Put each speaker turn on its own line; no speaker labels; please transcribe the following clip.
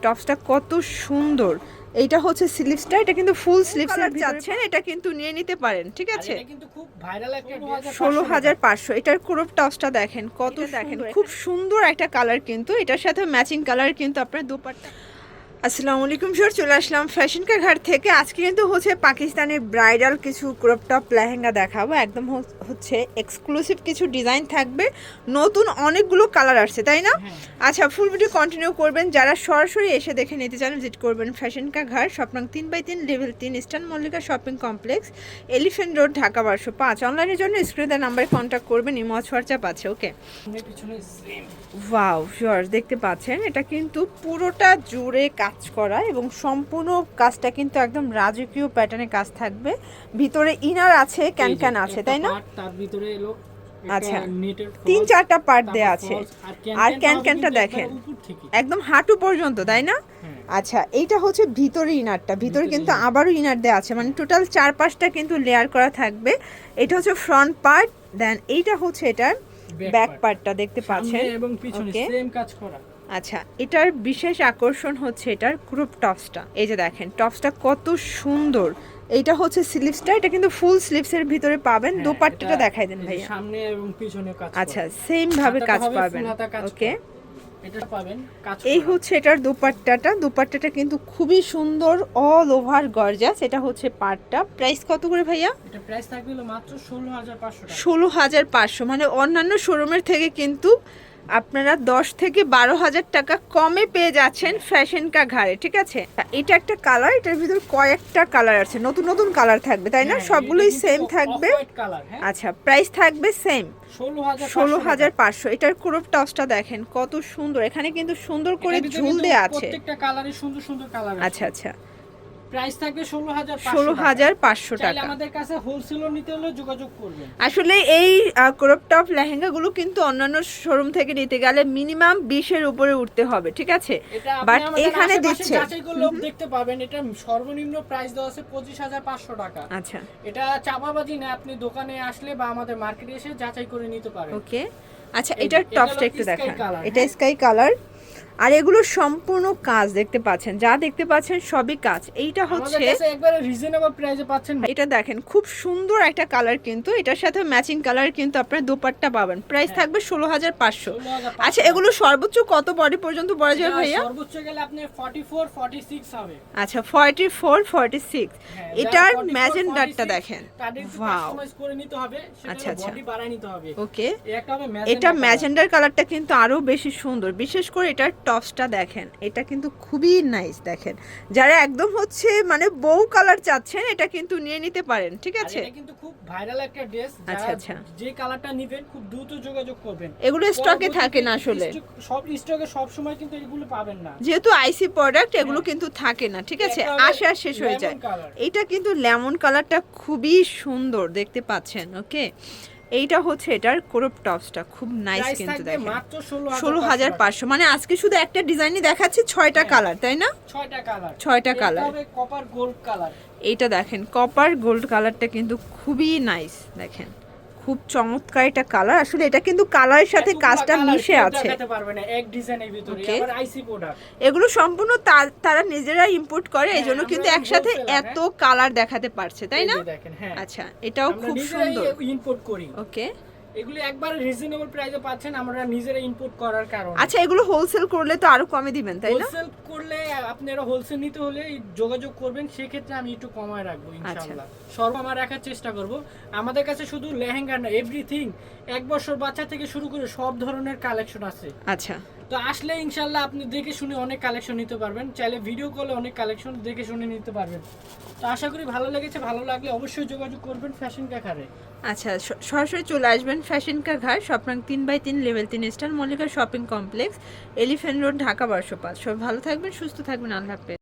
টপসটা কত সুন্দর। এইটা হচ্ছে স্লিভসটা, এটা কিন্তু ফুল স্লিভস এর যাচ্ছেন, এটা কিন্তু নিয়ে নিতে পারেন, ঠিক আছে।
এটা কিন্তু খুব ভাইরাল একটা ড্রেস
16,500। এটার ক্রপ টপসটা দেখেন কত দেখেন, খুব সুন্দর একটা কালার, কিন্তু এটার সাথে ম্যাচিং কালার কিন্তু আপনার দুপাট্টা। আসসালামু আলাইকুম স্যার, চলে আসলাম ফ্যাশন কা ঘাট থেকে। আজকে কিন্তু হচ্ছে পাকিস্তানি ব্রাইডাল কিছু ক্রপ টপ লেহেঙ্গা দেখাবো, একদম হচ্ছে এক্সক্লুসিভ কিছু ডিজাইন থাকবে, নতুন অনেকগুলো কালার আসছে, তাই না? আচ্ছা, ফুল ভিডিও কন্টিনিউ করবেন। যারা সরাসরি এসে দেখে নিতে চান ভিজিট করবেন ফ্যাশন কা ঘাট, স্বপ্নাং 3/3 level 3 Eastern Mallika shopping complex, Elephant Road, Dhaka 1205। অনলাইনের জন্য স্ক্রিনে নাম্বারে কন্ট্যাক্ট করবেন, ইমো হোয়াটসঅ্যাপ আছে। ওকে, ওয়াও ভিউয়ার্স, দেখতে পাচ্ছেন এটা কিন্তু পুরোটা জুড়ে কাজ করা এবং সম্পূর্ণ কাজটা কিন্তু একদম রাজকীয় প্যাটার্নে কাজ থাকবে। ভিতরে ইনার আছে, ক্যান আছে, তাই না?
তার ভিতরে এলো
আচ্ছা, 3-4টা পার্ট দেয়া আছে। আর ক্যানটা দেখেন একদম হাঁটু পর্যন্ত, তাই না? আচ্ছা, এইটা হচ্ছে ভিতরে ইনারটা, ভিতরে কিন্তু আবারও ইনার দেয়া আছে, মানে টোটাল 4-5টা কিন্তু লেয়ার করা থাকবে। এটা হচ্ছে ফ্রন্ট পার্ট, দেন এইটা হচ্ছে এটার ব্যাক পার্টটা, দেখতে পাচ্ছেন
এবং পিছনে সেম কাজ করা।
আচ্ছা, এটার বিশেষ আকর্ষণ হচ্ছে এটার ক্রপ টপসটা। এই যে দেখেন টপসটা কত সুন্দর। এইটা হচ্ছে স্লিভসটা, এটা কিন্তু ফুল স্লিভস এর ভিতরে পাবেন। দোপাট্টাটা দেখাই দেন ভাইয়া।
সামনে এবং পিছনে কাজ করা।
আচ্ছা, সেম ভাবে কাজ পাবেন। ওকে,
এটা পাবেন কাজ
এই হচ্ছে এটার দোপাট্টাটা কিন্তু খুবই সুন্দর, অল ওভার গর্জাস। এটা হচ্ছে পাটটা। প্রাইস কত করে ভাইয়া?
এটা প্রাইস থাকবে মাত্র 16,500 টাকা।
16,500, মানে অন্যান্য শোরুমের থেকে কিন্তু আপনারা 10 থেকে 12,000 টাকা কমে পেয়ে যাচ্ছেন ফ্যাশন কা ঘাড়ে, ঠিক আছে। এটা একটা কালার, এটার ভিতর কয়েকটা কালার আছে, নতুন নতুন কালার থাকবে, তাই না? সবগুলোই সেম থাকবে। আচ্ছা, প্রাইস থাকবে সেম 16,500। এটার ক্রপ টপসটা দেখেন কত সুন্দর, এখানে কিন্তু সুন্দর করে ঝুল দেয়া আছে,
প্রত্যেকটা কালারে সুন্দর সুন্দর কালার আছে।
আচ্ছা আচ্ছা,
প্রাইস থাকবে
16,500 টাকা।
আমাদের কাছে হোলসেলও নিতে হলে যোগাযোগ করবেন।
আসলে এই ক্রপ টপ লেহেঙ্গাগুলো কিন্তু অন্যান্য শোরুম থেকে নিতে গেলে মিনিমাম 20 এর উপরে উঠতে হবে, ঠিক আছে। বাট এখানে দিচ্ছে,
যাচাই করলে দেখতে পাবেন এটা সর্বনিম্ন প্রাইস দেওয়া আছে 25,500 টাকা।
আচ্ছা,
এটা চাপাবাজি না, আপনি দোকানে আসলে বা আমাদের মার্কেটে এসে যাচাই করে নিতে পারেন।
ওকে, আচ্ছা, এটার টপসটা একটু দেখান। এটা স্কাই কালার, আর এগুলো সম্পূর্ণ কাজ দেখতে পাচ্ছেন, যা দেখতে পাচ্ছেন সবই কাজ। এইটা হচ্ছে
একবারে রিজনেবল প্রাইসে পাচ্ছেন।
এটা দেখেন খুব সুন্দর একটা কালার, কিন্তু এটার সাথে ম্যাচিং কালার কিন্তু আপনার দোপাট্টা পাবেন। প্রাইস থাকবে 16,500। আচ্ছা, এগুলো সর্বোচ্চ কত বডি পর্যন্ত পরা যাবে ভাইয়া?
সর্বোচ্চ গেলে আপনি 44 46 হবে।
আচ্ছা, 44 46। এটার ম্যাজেন্ডারটা দেখেন, ওয়াও,
কাস্টমাইজ করে নিতে হবে,
আচ্ছা
সেটা বডি বাড়ায় নিতে হবে।
ওকে,
একটা হবে
এটা ম্যাজেন্ডার কালারটা কিন্তু আরো বেশি সুন্দর, বিশেষ করে এটার টপসটা দেখেন, এটা কিন্তু খুবই নাইস। দেখেন, যারা একদম হচ্ছে মানে বউ কালার চাচ্ছেন, এটা কিন্তু নিয়ে নিতে পারেন, ঠিক আছে।
এটা কিন্তু খুব ভাইরাল একটা ড্রেস।
আচ্ছা আচ্ছা,
যে কালারটা নেবেন খুব দ্রুত যোগাযোগ করবেন।
এগুলো স্টকে থাকে না আসলে,
সব স্টকে সব সময় কিন্তু এগুলো পাবেন না,
যেহেতু আইসি প্রোডাক্ট, এগুলো কিন্তু থাকে না, ঠিক আছে, আসে আর শেষ হয়ে যায়। এটা কিন্তু লেমন কালারটা খুবই সুন্দর, দেখতে পাচ্ছেন। ওকে, এইটা হচ্ছে এটার ক্রপ টপসটা, খুব নাইস কিন্তু দেখেন।
মাত্র
16,500, মানে আজকে শুধু একটা ডিজাইনই দেখাচ্ছি, 6টা কালার, তাই না? 6টা কালার।
Copper gold colour.
এইটা দেখেন কপার গোল্ড কালারটা কিন্তু খুবই নাইস, দেখেন খুব চমৎকার একটা কালার। আসলে এটা কিন্তু কালারের সাথে কাজটা মিশে আছে।
এক ডিজাইনের ভিতরে আবার আইসি প্রোডাক্ট।
এগুলো সম্পূর্ণ তারা নিজেরা ইম্পোর্ট করে, এইজন্য কিন্তু একসাথে এত কালার দেখাতে পারছে, তাই না? আচ্ছা, এটাও খুব সুন্দর,
ইম্পোর্ট করি।
ওকে,
এগুলো একবার রিজনেবল প্রাইসে পাচ্ছেন, আমরা নিজেরা ইম্পোর্ট করার কারণে।
আচ্ছা, এগুলো হোলসেল করলে তো আরো কমে দিবেন, তাই না?
হোলসেল করলে আপনারা হোলসেল নিতে হলে যোগাযোগ করবেন, সেই ক্ষেত্রে আমি একটু কমায় রাখবো ইনশাআল্লাহ। সর্বমা রাখার চেষ্টা করব। আমাদের কাছে শুধু লেহেঙ্গা না, এভরিথিং, 1 বছর বাচ্চা থেকে শুরু করে সব ধরনের কালেকশন আছে।
আচ্ছা,
তো আসলে ইনশাআল্লাহ আপনি দেখে শুনে অনেক কালেকশন নিতে পারবেন, চাইলে ভিডিও কলে অনেক কালেকশন দেখে শুনে নিতে পারবেন। তো আশা করি ভালো লেগেছে, ভালো লাগলে অবশ্যই যোগাযোগ করবেন ফ্যাশন কা ঘাড়ে।
আচ্ছা, সরাসরি চলে আসবেন ফ্যাশন কা ঘাট, স্বপ্নাং 3/3 level 3 Eastern Mallika shopping complex, Elephant Road, Dhaka 1205। সবাই ভালো থাকবেন, সুস্থ থাকবেন, আল্লাহ হাফেজ।